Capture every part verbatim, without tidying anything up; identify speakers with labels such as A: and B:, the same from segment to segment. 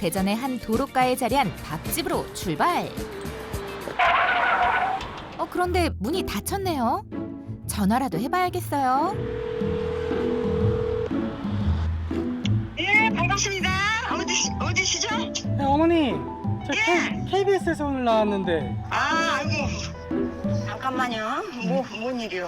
A: 대전의 한 도로가에 자리한 밥집으로 출발. 어, 그런데 문이 닫혔네요. 전화라도 해봐야겠어요.
B: 예, 반갑습니다. 어디, 어디시죠?
C: 네, 어머니, 저
B: 예.
C: 케이비에스에서 오늘 나왔는데.
B: 아, 아이고. 잠깐만요. 뭐, 뭔 일이요?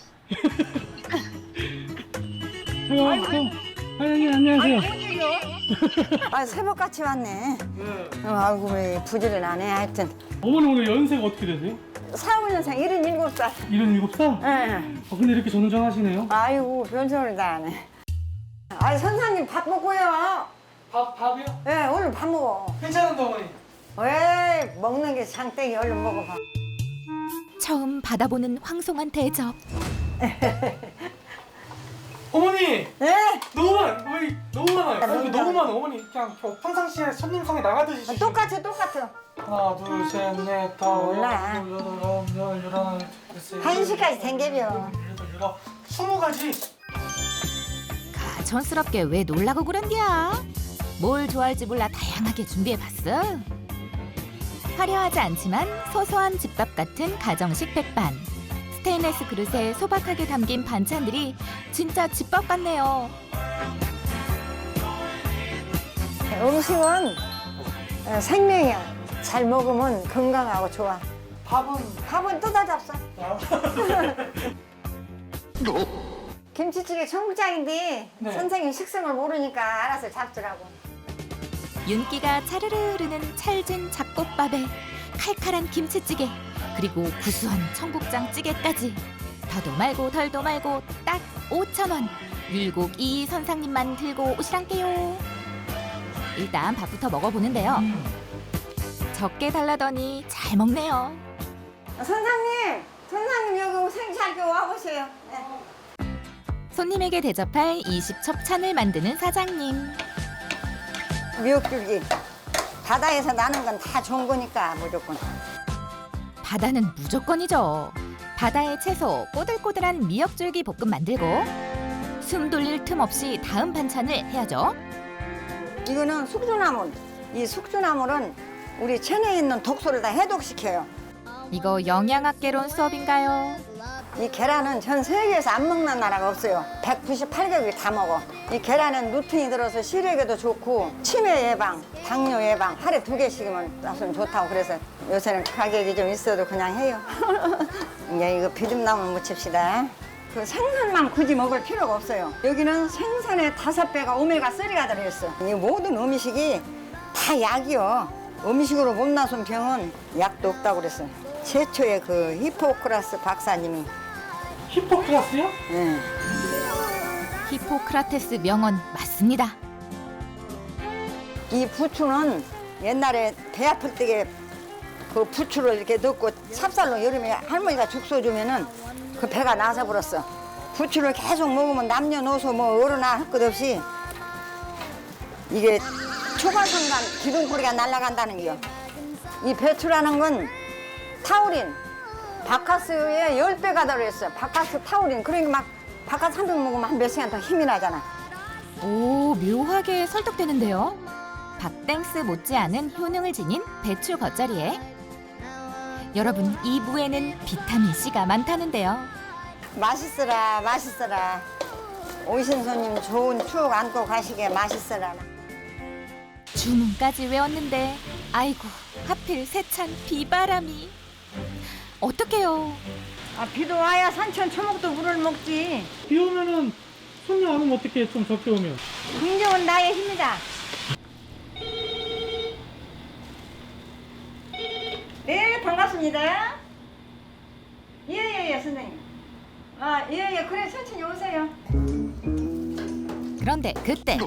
C: 어, 어, 사장님 안녕하세요.
B: 뭔 일이요? 아, 새벽같이 왔네. 어, 아이고, 왜 부지런하네. 하여튼.
C: 어머니 오늘 연세가 어떻게 되세요?
B: 사오 년생 일흔일곱 살.
C: 일흔일곱 살?
B: 예.
C: 어, 근데 이렇게 전전하시네요.
B: 아이고, 별소리 다 하네. 아이, 선생님 밥 먹고요.
C: 밥, 밥이요?
B: 예, 얼른 밥 먹어.
C: 괜찮은데 어머니.
B: 왜 먹는 게 장땡이 얼른 먹어봐.
A: 처음 받아보는 황송한 대접.
C: 어머니!
B: 예?
C: 너무 많아! 어머니 너무 많아요. 아니,
B: 너무
C: 너무 많아. 어머니 그냥 저 평상시에 손님상에 나가듯이 주시죠.
B: 똑같아, 똑같아.
C: 하나, 둘, 셋, 넷, 다섯,
B: 몰라.
C: 여섯, 여덟, 아홉, 열, 열하나, 열세,
B: 한 시까지
C: 열둘,
B: 댕겨벼.
C: 열여덟, 열여덟, 열아홉, 스무 가지.
A: 가천스럽게 왜 놀라고 그런디야? 뭘 좋아할지 몰라 다양하게 준비해봤어. 화려하지 않지만 소소한 집밥 같은 가정식 백반. 스테인레스 그릇에 소박하게 담긴 반찬들이 진짜 집밥 같네요.
B: 음식은 어, 생명이야. 잘 먹으면 건강하고 좋아.
C: 밥은
B: 밥은 뜯어 잡숴.
C: 아,
B: 김치찌개 청국장인데
C: 네.
B: 선생님 식성을 모르니까 알아서 잡수라고.
A: 윤기가 차르르 흐르는 찰진 잡곡밥에 칼칼한 김치찌개 그리고 구수한 청국장 찌개까지 더도 말고 덜도 말고 딱 오천 원. 율곡 이 선상님만 들고 오시란께요. 일단 밥부터 먹어보는데요. 적게 달라더니 잘 먹네요.
B: 선생님, 선생님 여기 생시할게 와보세요. 네.
A: 손님에게 대접할 이십 첩찬을 만드는 사장님.
B: 미역줄기. 바다에서 나는 건 다 좋은 거니까 무조건.
A: 바다는 무조건이죠. 바다의 채소 꼬들꼬들한 미역줄기 볶음 만들고 숨 돌릴 틈 없이 다음 반찬을 해야죠.
B: 이거는 숙주나물. 이 숙주나물은 우리 체내에 있는 독소를 다 해독시켜요.
A: 이거 영양학개론 수업인가요?
B: 이 계란은 전 세계에서 안 먹는 나라가 없어요. 백구십팔 개국이 다 먹어. 이 계란엔 루틴이 들어서 시력에도 좋고 치매 예방, 당뇨 예방 하루에 두 개씩이면 놨으면 좋다고 그래서 요새는 가격이 좀 있어도 그냥 해요. 이제 이거 비듬나물 무칩시다. 그 생선만 굳이 먹을 필요가 없어요. 여기는 생선의 다섯 배가 오메가 쓰리가 들어있어. 이 모든 음식이 다 약이요. 음식으로 못 나선 병은 약도 없다고 그랬어요. 최초의 그 히포크라스 박사님이.
C: 히포크라스요?
B: 예.
A: 히포크라테스 명언 맞습니다.
B: 이 부추는 옛날에 배 아플 때에 그 부추를 이렇게 넣고 찹쌀로 여름에 할머니가 죽 써주면은 그 배가 나서 버렸어. 부추를 계속 먹으면 남녀노소 뭐 어른아 할 것 없이 이게 초과순간 기둥뿌리가 날아간다는 게요. 이 배추라는 건 타우린, 바카스의 열 배가 들어있어요. 바카스 타우린. 그러니까 막 바카스 한 병 먹으면 한 몇 시간 더 힘이 나잖아.
A: 오, 묘하게 설득되는데요. 박땡스 못지않은 효능을 지닌 배추 겉절이에 여러분 이 무에는 비타민C가 많다는데요.
B: 맛있어라, 맛있어라. 오신 손님 좋은 추억 안고 가시게 맛있어라.
A: 주문까지 외웠는데 아이고 하필 세찬 비바람이 어떡해요.
B: 아, 비도 와야 산천 초목도 물을 먹지.
C: 비 오면은 손님 안 오면 어떻게 좀 적게 오면?
B: 긍정은 나의 힘이다. 네, 반갑습니다. 예예예, 예, 선생님. 아, 예예, 예, 그래 천천히 오세요.
A: 그런데 그때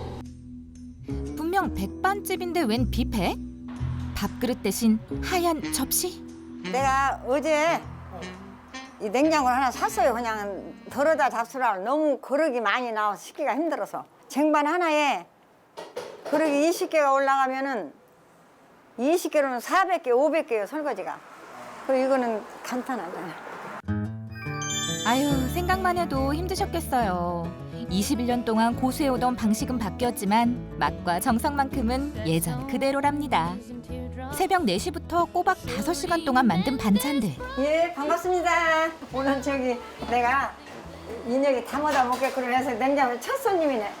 A: 분명 백반집인데 웬 뷔페? 밥그릇 대신 하얀 접시?
B: 내가 어제 이 냉장고를 하나 샀어요. 그냥 덜어다 잡수라고. 너무 그릇이 많이 나와서 씻기가 힘들어서. 쟁반 하나에 그릇이 이십 개가 올라가면은 이십 개로는 사백 개, 오백 개예요, 설거지가. 그리고 이거는 간단하잖아요.
A: 아유 생각만 해도 힘드셨겠어요. 이십일 년 동안 고수해오던 방식은 바뀌었지만 맛과 정성만큼은 예전 그대로랍니다. 새벽 네 시부터 꼬박 다섯 시간 동안 만든 반찬들.
B: 예, 반갑습니다. 오늘 저기 내가 인혁이 담아다 먹겠구나 해서 냉장고 첫 손님이네.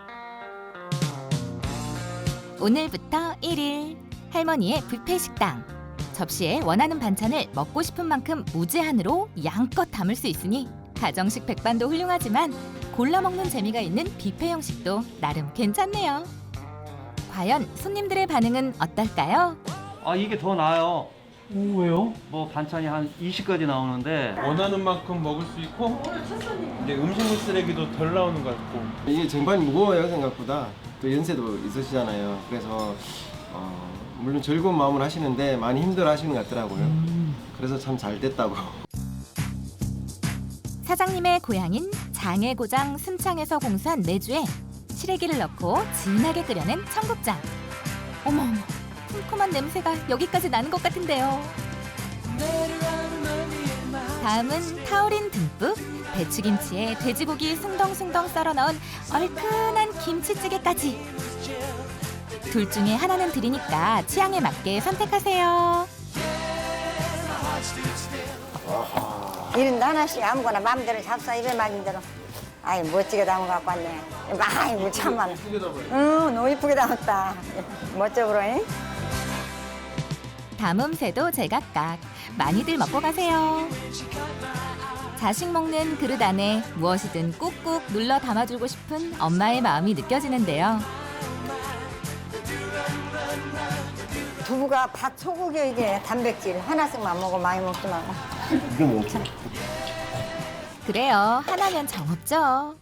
A: 오늘부터 일 일 할머니의 뷔페 식당. 접시에 원하는 반찬을 먹고 싶은 만큼 무제한으로 양껏 담을 수 있으니 가정식 백반도 훌륭하지만 골라 먹는 재미가 있는 뷔페 형식도 나름 괜찮네요. 과연 손님들의 반응은 어떨까요?
D: 아 이게 더 나아요.
C: 오, 왜요?
D: 뭐 반찬이 한 이십 가지 나오는데
E: 원하는 만큼 먹을 수 있고 이제 음식물 쓰레기도 덜 나오는 것 같고.
F: 이게 쟁반이 무거워요 생각보다. 또 연세도 있으시잖아요. 그래서 어, 물론 즐거운 마음을 하시는데 많이 힘들어하시는 것 같더라고요. 그래서 참 잘 됐다고.
A: 사장님의 고향인 장해고장 순창에서 공수한 내주에 시래기를 넣고 진하게 끓여낸 청국장. 어머, 쿰쿰한 냄새가 여기까지 나는 것 같은데요. 다음은 타우린 듬뿍 배추김치에 돼지고기 숭덩숭덩 썰어 넣은 얼큰한 김치찌개까지. 둘 중에 하나는 드리니까 취향에 맞게 선택하세요.
B: 이런데 하나씩 아무거나 마음대로 잡숴 입에 맞는 대로. 아이 멋지게 담아 갖고 왔네. 아이고 참만. 응, 너무 이쁘게 담았다. 멋져 보러잉.
A: 담음새도 제각각. 많이들 먹고 가세요. 자식 먹는 그릇 안에 무엇이든 꾹꾹 눌러 담아주고 싶은 엄마의 마음이 느껴지는데요.
B: 두부가 밥 소고기 이게 단백질 하나씩만 먹어 많이 먹지 말고.
F: 이게 뭐지?
A: 그래요. 하나면 정없죠.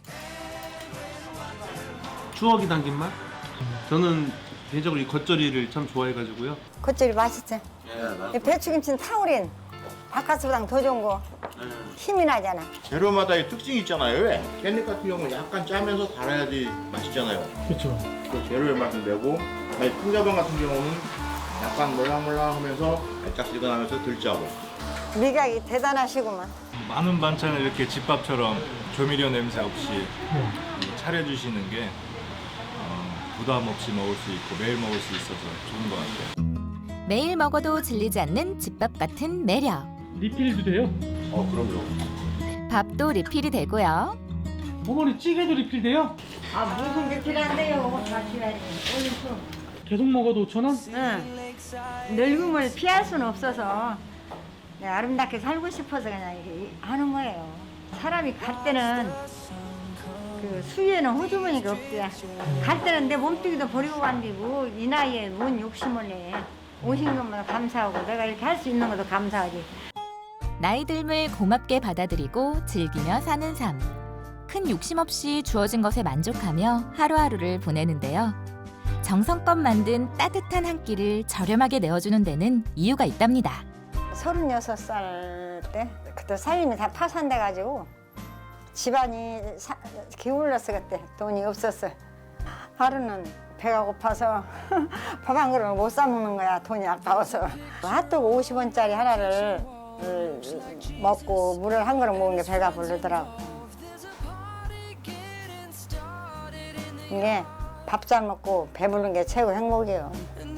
E: 추억이 담긴 맛? 저는 개인적으로 이 겉절이를 참 좋아해가지고요.
B: 겉절이 맛있지? 이 배추김치는 타우린. 바카스보다 더 좋은 거. 힘이 나잖아.
G: 재료마다의 특징이 있잖아요. 왜? 깻잎 같은 경우는 약간 짜면서 달아야지 맛있잖아요.
C: 그렇죠.
G: 그 재료의 맛을 내고, 아니, 풍자반 같은 경우는 약간 몰랑몰랑하면서 달짝지근하면서 덜 짜고.
B: 미각이 대단하시구만.
H: 많은 반찬을 이렇게 집밥처럼 조미료 냄새 없이 차려주시는 게 어, 부담 없이 먹을 수 있고 매일 먹을 수 있어서 좋은 것 같아요.
A: 매일 먹어도 질리지 않는 집밥 같은 매력.
C: 리필도 돼요?
G: 어, 그럼요.
A: 밥도 리필이 되고요.
C: 어머니 찌개도 리필돼요?
B: 아 무슨 게 필요한데요? 다 필요하지.
C: 계속 먹어도 오천 원?
B: 응. 늙음을 피할 수는 없어서 내가 아름답게 살고 싶어서 그냥 이렇게 하는 거예요. 사람이 갈 때는 그 수위에는 호주머니가 없대. 갈 때는 내 몸뚱이도 버리고 간디고 이 나이에 뭔 욕심을 내. 오신 것만 감사하고 내가 이렇게 할 수 있는 것도 감사하지.
A: 나이 듦을 고맙게 받아들이고 즐기며 사는 삶. 큰 욕심 없이 주어진 것에 만족하며 하루하루를 보내는데요. 정성껏 만든 따뜻한 한 끼를 저렴하게 내어주는 데는 이유가 있답니다.
B: 서른여섯 살 때 그때 살림이 다 파산돼가지고 집안이 사, 기울었어. 그때 돈이 없었어. 하루는 배가 고파서 밥 한 그릇을 못 사 먹는 거야. 돈이 아까워서. 핫도그 오십 원짜리 하나를 먹고 물을 한 그릇 먹은 게 배가 부르더라고. 이게 밥 잘 먹고 배부른 게 최고 행복이에요.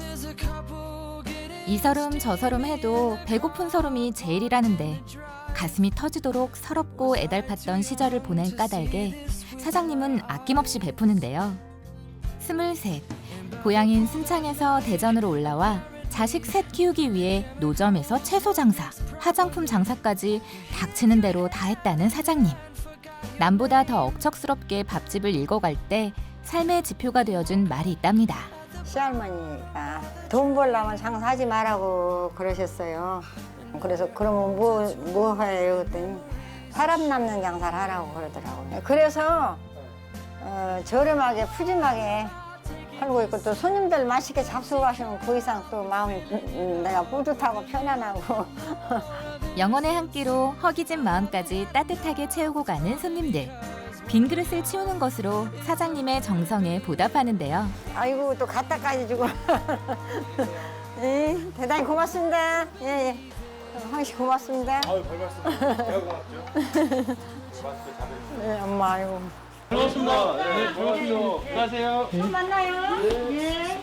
A: 이 서름 저 서름 해도 배고픈 서름이 제일이라는데 가슴이 터지도록 서럽고 애달팠던 시절을 보낸 까닭에 사장님은 아낌없이 베푸는데요. 스물셋, 고향인 순창에서 대전으로 올라와 자식 셋 키우기 위해 노점에서 채소 장사, 화장품 장사까지 닥치는 대로 다 했다는 사장님. 남보다 더 억척스럽게 밥집을 읽어갈 때 삶의 지표가 되어준 말이 있답니다.
B: 시할머니가 돈 벌려면 장사하지 말라고 그러셨어요. 그래서 그러면 뭐, 뭐 해요? 그랬더니 사람 남는 장사를 하라고 그러더라고요. 그래서 어, 저렴하게 푸짐하게 팔고 있고 또 손님들 맛있게 잡수고 가시면 그 이상 또 마음이 음, 내가 뿌듯하고 편안하고.
A: 영혼의 한 끼로 허기진 마음까지 따뜻하게 채우고 가는 손님들. 빈 그릇을 치우는 것으로 사장님의 정성에 보답하는데요.
B: 아이고 또 갖다까지 주고. 예, 대단히 고맙습니다. 예, 예. 황 씨 고맙습니다.
G: 아유, 별 말씀. 제가 고맙죠. 맛있게 잘
B: 예, 엄마 아이고
C: 반갑습니다.
F: 네, 고맙습니다.
C: 안녕하세요.
B: 또 만나요. 예.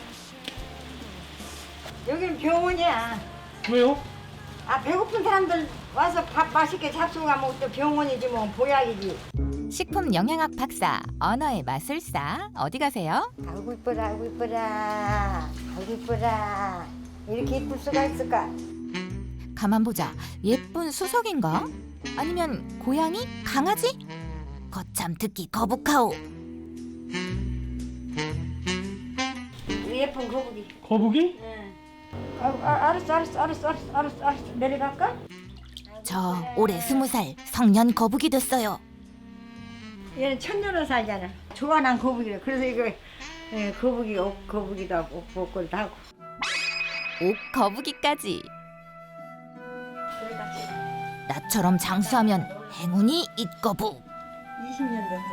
B: 여기는 병원이야.
C: 왜요?
B: 아 배고픈 사람들 와서 밥 맛있게 잡수고 가면 또 병원이지 뭐 보약이지.
A: 식품 영양학 박사, 언어의 마술사. 어디 가세요?
B: 아이고 이뻐라 아이고 이뻐라 아이고 이뻐라 이렇게 이쁠 수가 있을까?
A: 가만 보자. 예쁜 수석인가? 아니면 고양이? 강아지? 거참 듣기 거북하오.
B: 우리 예쁜 거북이.
C: 거북이?
B: 응. 아, 아, 알았어 알았어 알았어 알았어 알았어 알았어 내려갈까?
A: 저 올해 스무 살 성년 거북이 됐어요.
B: 얘는 천년을 살잖아. 좋아하는 거북이래. 그래서 이거 예, 거북이 옷 거북이도 하고 옷 복걸도 하고.
A: 옥 거북이까지.
B: 그러니까
A: 나처럼 장수하면 행운이 있거북.
B: 이십 년 됐어.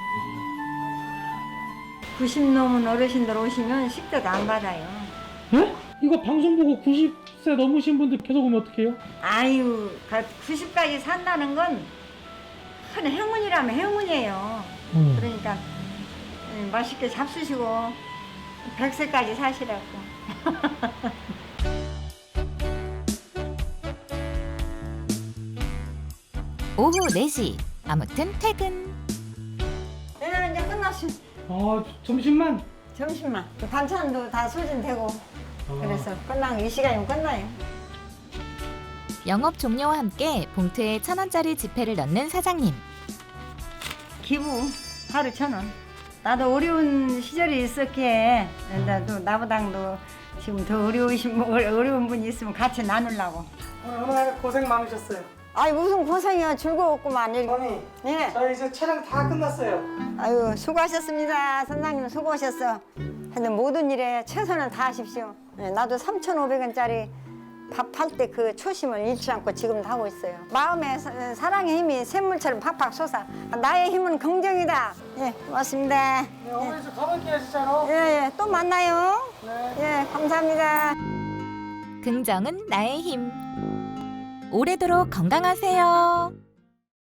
B: 구십 넘은 어르신들 오시면 식대도 안 받아요.
C: 예? 이거 방송 보고 구십 세 넘으신 분들 계속 오면 어떡해요?
B: 아유, 구십까지 산다는 건 큰 행운이라면 행운이에요.
C: 음.
B: 그러니까 음, 맛있게 잡수시고 백 세까지 사시라고.
A: 오후 네 시. 아무튼 퇴근.
B: 네, 이제 끝났어.
C: 아, 점심만?
B: 점심만. 반찬도 다 소진되고
C: 아.
B: 그래서 끝나고 이 시간이면 끝나요.
A: 영업 종료와 함께 봉투에 천 원짜리 지폐를 넣는 사장님.
B: 기부 하루 천 원. 나도 어려운 시절이 있었기에 나도 나보다도 지금 더 어려우신 분, 어려운 분이 있으면 같이 나누려고.
C: 오늘 오늘 고생 많으셨어요.
B: 아이 무슨 고생이야. 즐거웠구만.
C: 어머니,
B: 예.
C: 저 이제 촬영 다 끝났어요.
B: 아유 수고하셨습니다. 선장님 수고하셨어. 하여튼 모든 일에 최선을 다하십시오. 예, 나도 삼천오백 원짜리 밥 할 때 그 초심을 잃지 않고 지금도 하고 있어요. 마음에 사- 사랑의 힘이 샘물처럼 팍팍 솟아. 나의 힘은 긍정이다. 예, 고맙습니다.
C: 네, 어머니 저 가볼게요, 진짜로.
B: 예, 예, 또 만나요. 예, 감사합니다.
A: 긍정은 나의 힘. 오래도록 건강하세요.